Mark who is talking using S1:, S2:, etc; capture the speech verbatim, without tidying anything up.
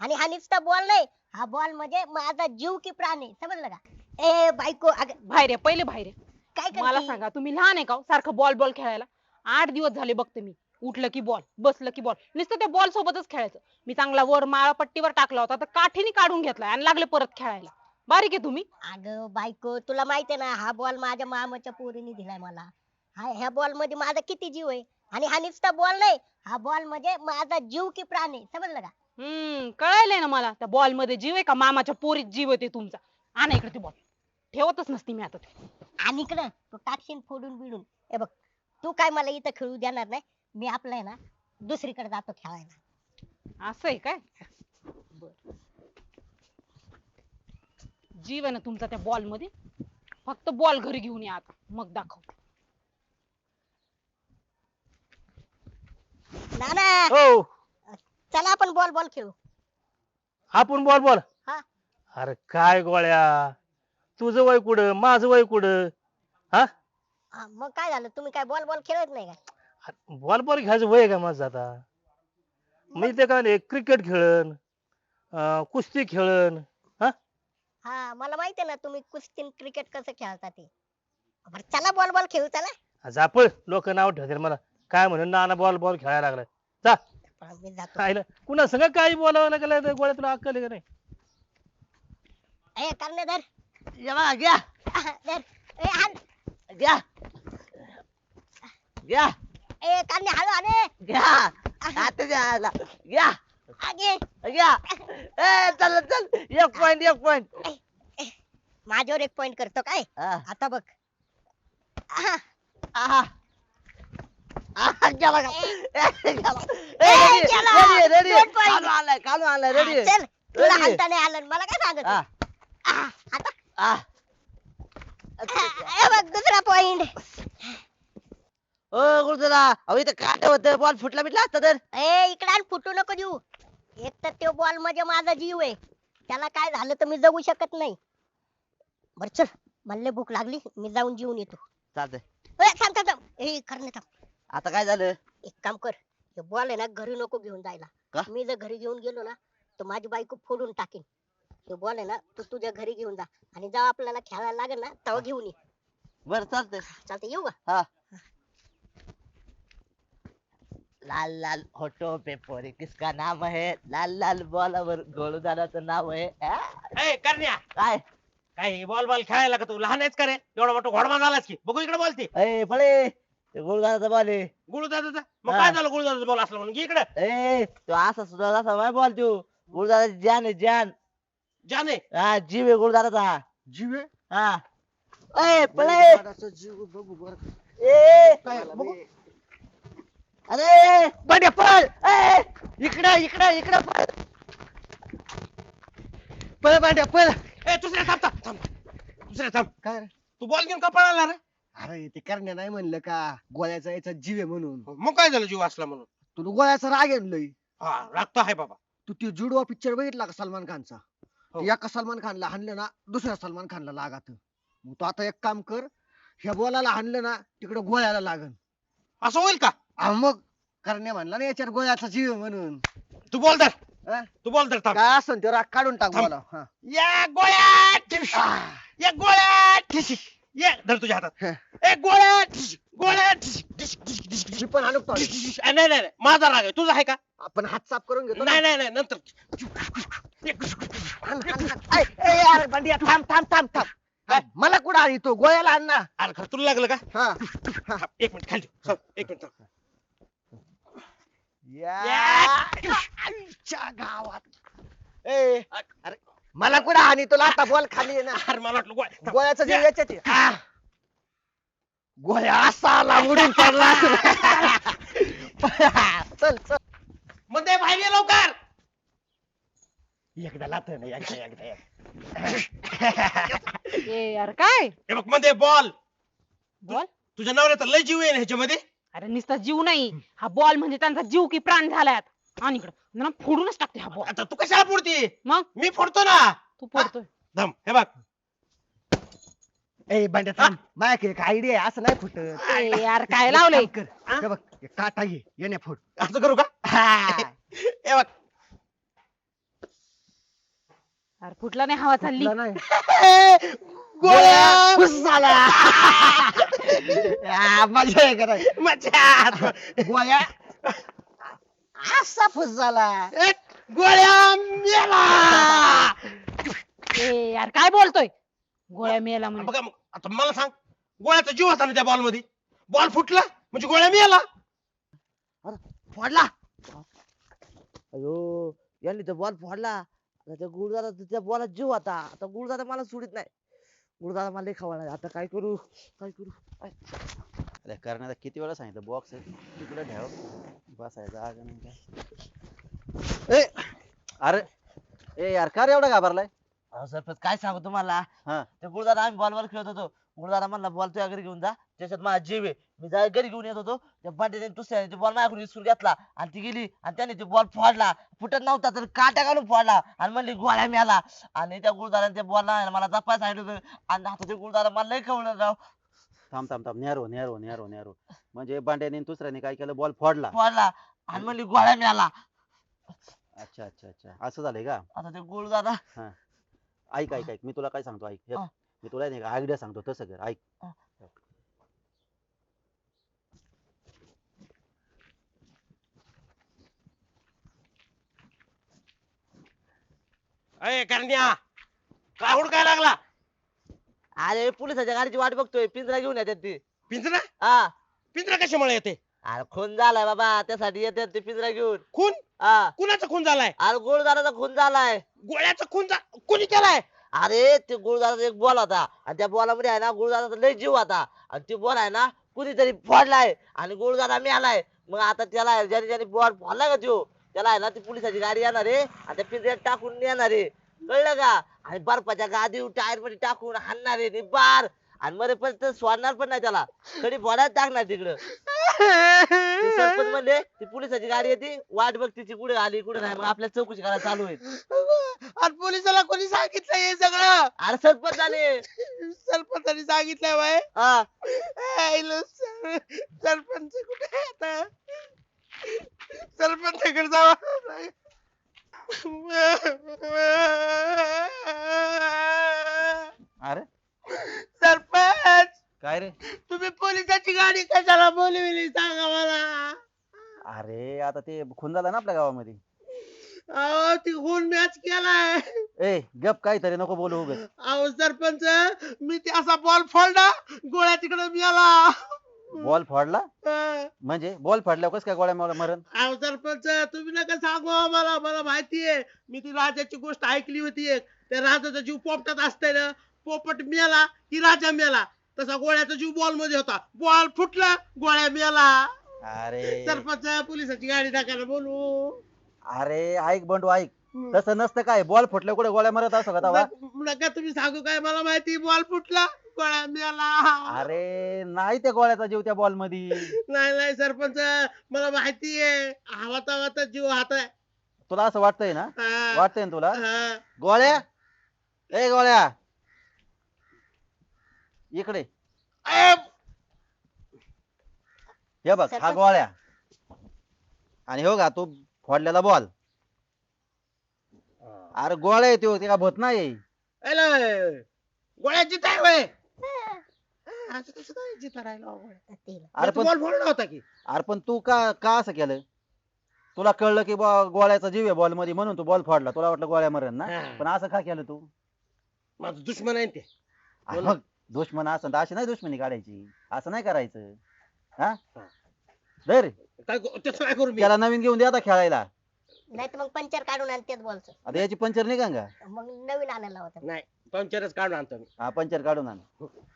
S1: आणि हा नुसता बॉल नाही, हा बॉल म्हणजे माझा जीव की प्राण आहे, समजलं का? ए बायको अगं
S2: बाहेर आहे, पहिले बाहेर आहे.
S1: काय
S2: मला
S1: करते?
S2: सांगा, तुम्ही लहान आहे का हो? सारखं बॉल बॉल खेळायला. आठ दिवस झाले बघते मी. उठलं की बॉल, बसलं की बॉल, नुसतं त्या बॉल सोबतच खेळायचं. मी चांगला वर माळा पट्टीवर टाकला होता तर काठीने काढून घेतलाय आणि लागले परत खेळायला. बारीक आहे तुम्ही.
S1: अगं बायको तुला माहिती आहे ना, हा बॉल माझ्या मामाच्या पोरीने दिलाय मला. हा ह्या बॉल मध्ये माझा किती जीव आहे. आणि हा नुसता बॉल नाही, हा बॉल म्हणजे माझा जीव की प्राण आहे, समजलं का?
S2: हम्म कळायलंय ना मला. त्या बॉल मध्ये जीव आहे का मामाच्या पोरीत जीव आहे ते तुमचा. आणा इकडे ते बॉल. ठेवतच नसती मी आता ते.
S1: आणि इकडं तू टाकशील फोडून बिडून. हे बघ, तू काय मला इथं खेळू देणार नाही. मी आपलं आहे ना दुसरीकडे जातो खेळायला.
S2: असं आहे काय? बर. जीव आहे ना तुमचा त्या बॉल मध्ये. फक्त बॉल घरी घेऊन या आता, मग दाखव.
S1: नाना
S3: हो
S1: चला आपण बॉल बॉल खेळू.
S3: आपण बोल बोल.
S1: हा
S3: अरे काय गोळ्या, तुझं वय कुठं माझं वय कुठं? हा
S1: हा, मग काय झालं, तुम्ही काय बॉल बॉल खेळत नाही का?
S3: बॉल बॉल घ्यायचं वय आहे का माझं आता? मी ते काय क्रिकेट खेळन, अं, कुस्ती खेळन. हा
S1: हा मला माहिती आहे ना तुम्ही कुस्ती क्रिकेट कसं खेळता ते. बरं चला बॉल बॉल खेळू चला.
S3: जापळ लोक नाव ठेवतील मला, काय म्हणून नाना बॉल बॉल खेळायला लागलाय. जा
S1: पण मी जातो.
S3: खायला कुणा संग काही बोलावं लागलं तर गोळ्या तुला अक्कल आहे का नाही?
S1: ए करणे धर.
S4: जेव्हा घ्या
S1: धर. ए हाण.
S4: घ्या घ्या
S1: ए करणे हळू आणे.
S4: घ्या आता घ्या घ्या
S1: आगे.
S4: घ्या ए चल चल एक पॉइंट एक पॉइंट
S1: माझ्यावर एक पॉइंट करतो काय? आता बघ. आहा.
S4: आहा आहा गेला का
S1: ए,
S4: गेला
S1: ए, गेला.
S4: रेडी रेडी
S1: दोन point.
S4: काढून आणलाय काढून आणलाय रेडी
S1: हा, चल तुला
S4: Ready.
S1: हाणता नाही आलं मला काय सांगत?
S4: हा
S1: आहा, आता
S4: आ
S1: ए बघ दुसरा पॉइंट.
S4: ओ गुरुदादा अहो इथं काय होतं बॉल फुटला बिटला असता तर
S1: ए इकडे आण, फुटू नको देऊ. एक तर तो बॉल म्हणजे माझा जीव आहे, त्याला काय झालं तर मी जगू शकत नाही. बर चल, मला लय भूक लागली, मी जाऊन जेवून येतो.
S4: चालतंय
S1: ए थांब थांब थांब. ए करणे थांब.
S4: आता काय झालं
S1: एक काम कर, हे बॉल आहे ना घरी नको घेऊन जायला.
S4: का?
S1: मी जर घरी घेऊन गेलो ना तर माझी बायको फोडून टाकेल. हे बॉल आहे ना तू तुझ्या घरी घेऊन जा, आणि जेव्हा आपल्याला खेळायला लागेल ना तेव्हा घेऊन ये.
S4: बर चालतंय
S1: चालतंय, येऊ का?
S4: हा लाल लाल होठों पे पोरी किसका नाम है, लाल लाल बॉलावर गोलदाराचं नाव आहे आ?
S5: ए करण्या,
S4: काय
S5: काय बॉल बॉल खेळायला का तू? लहान आहेस का रे? एवढा मोठा घोडमा झालास की. बघू इकडे बॉल ती
S4: ए फळे गोलदाराचा बॉल आहे
S5: गुळदादाचा. मग
S4: हा.
S5: काय झालं गुळदादाचा बॉल असला म्हणून? घे इकडे.
S4: ए तो असा सुद्धा असा माय बॉल तू गुलदाराची जान आहे जान
S5: जाने
S4: हा जीव आहे गुलदाराचा
S6: जीव आहे?
S4: हा ए फळे
S6: गुरुदाराचा जीव बघू बरं.
S4: ए
S6: काय बघू.
S4: अरे बंड्या पळ ए इकडे इकडे इकडे पळ
S6: पळ बांड्या पळ.
S5: ए दुसऱ्या थांब थांब थांब. दुसऱ्या थांब.
S6: काय रे?
S5: तू बॉल घेऊन का पळाला रे?
S6: अरे ते करण्या नाही म्हणलं का गोळ्याचा याचा जीव आहे म्हणून.
S5: मग काय झालं जीव असला म्हणून?
S6: तुला गोळ्याचा राग आहे लई.
S5: हा लागतो आहे बाबा.
S6: तू ते जुडवा पिक्चर बघितला का सलमान खानचा?
S5: हो.
S6: ते एका सलमान खानला हाणलं ना दुसऱ्या सलमान खानला लागत. मग तू आता एक काम कर, ह्या बॉलाला हाणलं ना तिकडे गोळ्याला लागन.
S5: असं होईल का?
S6: हा मग करण्या म्हणला ना याच्यावर गोळ्याचा जीव आहे म्हणून.
S5: तू बोल तर.
S6: हा?
S5: तू बोल तर थांब.
S6: काय असं ते राग काढून टाक
S5: थांब.
S6: मला. हा.
S5: या गोळ्या ठिश. या गोळ्या ठिश. ये धर तुझ्या हातात.
S6: हं.
S5: ए गोळ्या ठिश. गोळ्या ठिश. ठिश, ठिश, ठिश, ठिश.
S6: मी पण हाणू का?
S5: ठिश, ठिश. ए, नाही नाही नाही. माझा राग आहे. तुझा आहे का?
S6: आपण हात साफ करून घेतो ना.
S5: नाही नाही नाही नंतर.
S6: हाण, हाण, हाण. ए, ए, यार बंड्या थांब थांब थांब थांब.
S5: काय?
S6: मला कुठं आणि तो गोळ्याला आण ना.
S5: अरे खरं तुला लागलं का?
S6: हा.
S5: थांब, एक मिनिट खाली ठेव. थांब, एक मिनिट थांब.
S6: या.
S5: या.
S6: आईच्या गावात. ए अरे मला कुठं आणि तुला आता बॉल खाली आहे ना.
S5: अरे मला वाटलं गोळ्या. थांब.
S6: गोळ्याचा जीव याच्यात आहे. आ. गोळ्या असा आला उडून पडला. चल चल.
S5: मध्ये बाहेर ये लवकर.
S6: एकदा लाथ ना एकदा एकदा
S2: ए यार काय
S5: हे बघ मध्ये बॉल.
S2: बॉल?
S5: तुझ्या नवऱ्याचा लय जीव आहे ना ह्याच्यामध्ये.
S2: अरे नुसता जीव नाही, हा बॉल म्हणजे त्यांचा जीव की प्राण झालाय आता. आणि इकडं ना फोडूनच टाकते हा बॉल.
S5: आता तू कशाला पुरती?
S2: मग
S5: मी फोडतो ना.
S2: तू पडतोय.
S5: धम हे बघ.
S6: ए बंड्या थांब. माझ्याकडे एक आयडिया आहे, असं नाही फुटत.
S2: ए यार काय लावलंय?
S6: एक काम कर. हे बघ एक काटा घे येण्या फोड.
S5: असं करू का?
S6: हा.
S5: हे बघ.
S2: अरे फुटला नाही, हवा चालली.
S6: कुठला नाही
S5: गोळ्या
S6: खुश झाला
S5: आ, मजा आहे का मजा
S6: गोळ्या असा खुश झाला
S5: ए, गोळ्या मेला
S2: ए यार काय बोलतोय, गोळ्या मेला म्हणजे?
S5: बघा मग, आता मला सांग, गोळ्याचा जीव होता ना त्या बॉल मध्ये, बॉल फुटला म्हणजे गोळ्या मेला.
S6: फोडला
S4: अयो यांनी तर बॉल फोडला. आता त्या गुरुदादा त्या बॉलात जीव होता. आता गुरुदादा मला सोडित नाही. गुरुदादा मला लई खवळला. आता काय करू काय करू काय?
S7: अरे करण्याचा किती वेळा सांगितलं, बॉक्स तिकडे ठेव, बसायचा जागा नाही काय. ए अरे ए यार का रे एवढा घाबरलाय?
S4: अहो सरपंच काय सांगू तुम्हाला,
S7: हा
S4: ते गुरुदादा आम्ही बॉलवर खेळत होतो. गुरुदादा म्हणला बॉल तुझ्या घरी घेऊन जा, त्याच्यात माझा जीव आहे. मी जा घरी घेऊन येत होतो, त्या बांडीने दुसऱ्याने बॉल माझ्याकडून विसरून घेतला आणि ती गेली आणि त्याने ते बॉल फोडला. फुटत नव्हता तर काट्या घालून फोडला आणि म्हणली गोळ्या मिळाला. आणि त्या गुरुदाराने त्या बॉलला मला जपाय सांगितलं होतं आणि आता ते गुरुदारा मला लई खवळलं राव.
S7: थांब थांब थांब नेरो नेरो नेरो नेरो म्हणजे बांड्याने आणि दुसऱ्याने काय केलं, बॉल फोडला.
S4: फोडला आणि म्हणली गोळ्या मिळाला.
S7: अच्छा अच्छा अच्छा असं झालंय का?
S4: आता ते गुरुदादा
S7: हा ऐक ऐक ऐक मी तुला काय सांगतो, ऐक हे,
S4: हा.
S7: मी तुला नाही आयडिया सांगतो, तसं कर ऐक.
S4: हा.
S5: अय करण्या, काय हुडकाय लागला?
S4: अरे पोलिसाच्या गाडीची वाट बघतोय, पिंजरा घेऊन येतात ते.
S5: पिंजरा?
S4: हा
S5: पिंजरा कशामुळे येते?
S4: अरे खून झालाय बाबा, त्यासाठी येतात ते पिंजरा घेऊन.
S5: खून?
S4: हा
S5: कुणाचा खून झालाय?
S4: अरे गुरुदाराचा खून झालाय.
S5: गोळ्याचा खून झा कुणी केलाय?
S4: अरे ते गुरुदाराचा एक बॉल होता आणि त्या बॉलामध्ये आहे ना गुरुदाराचा लय जीव होता आणि ती बॉल आहे ना कुणीतरी फोडलाय आणि गुरुदारा मिळालाय. मग आता त्याला ज्याने ज्याने बॉल फोडला का तो, त्याला आहे ना ती पोलिसाची गाडी येणार आहे आणि त्या पिंजऱ्यात टाकून नेणार आहे, कळलं का? आणि बर्फाच्या गादी टायर मध्ये टाकून हाणणार आहे बार आणि मरे पण ते सोडणार पण नाही त्याला, कधी फोडायला टाकणार तिकडं. ते सरपंच म्हणले ती पोलिसाची गाडी येते, वाट बघ तिची कुठे आली कुठे नाही, मग आपल्या चौकशी करायला चालू आहे.
S5: आणि पोलिसाला कोणी सांगितलं हे सगळं?
S4: अरे सरपंच झाले.
S5: सरपंचाने सांगितलंय बाय.
S4: हा
S5: सरपंच कुठे आहे आता? सरपंचाकडे जावा.
S7: अरे
S5: सरपंच,
S7: काय रे?
S5: तुम्ही पोलिसाची गाडी कशाला बोलविली सांगा मला.
S7: अरे आता ते खून झाला ना आपल्या गावामध्ये.
S5: अहो ती खून मॅच केलाय.
S7: ए गप काहीतरी नको बोलू उगाच.
S5: अहो सरपंच, मी ते असा बॉल फोडला, गोळ्या तिकडे मिळाला.
S7: बॉल फोडला
S5: अं,
S7: म्हणजे बॉल फोडल्यावर कसं काय गोळ्या मला मरण?
S5: अहो सरपंच, तुम्ही नका सांगू मला, मला माहितीये. मी ती राजाची गोष्ट ऐकली होती एक. त्या राजाचा जीव पोपटात असतंय ना, पोपट मेला की राजा मेला, तसा गोळ्याचा जीव बॉल मध्ये होता. बॉल फुटला, गोळ्या मेला.
S7: अरे
S5: सरपंच, पोलिसाची गाडी टाकायला बोलू.
S7: अरे ऐक बंडू ऐक, तसं नसतं काय, बॉल फुटल्या कुठे गोळ्या मरत असं का तवा?
S5: नक- नका तुम्ही सांगू काय, मला माहिती बॉल फुटला, गोळ्या मेला.
S7: अरे नाही त्या गोळ्याचा जीव त्या बॉल मध्ये.
S5: नाही नाही सरपंच, मला माहितीये, हवाता हवाता जीव हात आहे.
S7: तुला असं वाटतंय ना?
S5: हा.
S7: वाटतंय ना तुला?
S5: हा.
S7: गोळ्या, ए गोळ्या इकडे
S5: अ,
S7: हे बघ, हा गोळ्या आणि हो का तू फोडलेला बॉल. अरे गोळ्या येतो ते का भूत नाही.
S5: हॅलो, गोळ्या जिताय होय. असं कसं काय जिता राहिला हो गोळ्या?
S7: अरे
S5: तू
S7: पण
S5: बॉल फोडला होता की?
S7: अरे पण तू का का असं केलं? तुला कळलं की बा गोळ्याचा जीव आहे बॉल मध्ये म्हणून तू बॉल फोडला, तुला वाटलं गोळ्या मरण ना,
S5: हा.
S7: पण असं का केलं तू?
S5: माझं दुश्मन आहे ते.
S7: अरे मग दुश्मन असं तर अशी नाही दुश्मनी काढायची, असं नाही करायचं. हा धर
S5: काय करू- त्याचं काय करू मी?
S7: त्याला नवीन घेऊन दे आता खेळायला.
S1: नाही तर मग पंचर काढून आणतेच बॉलच,
S7: आता याची पंचर नाही का?
S1: मग नवीन आणायला होता.
S5: नाही, पंचरच काढून आणतो मी.
S7: हा पंचर काढून आण.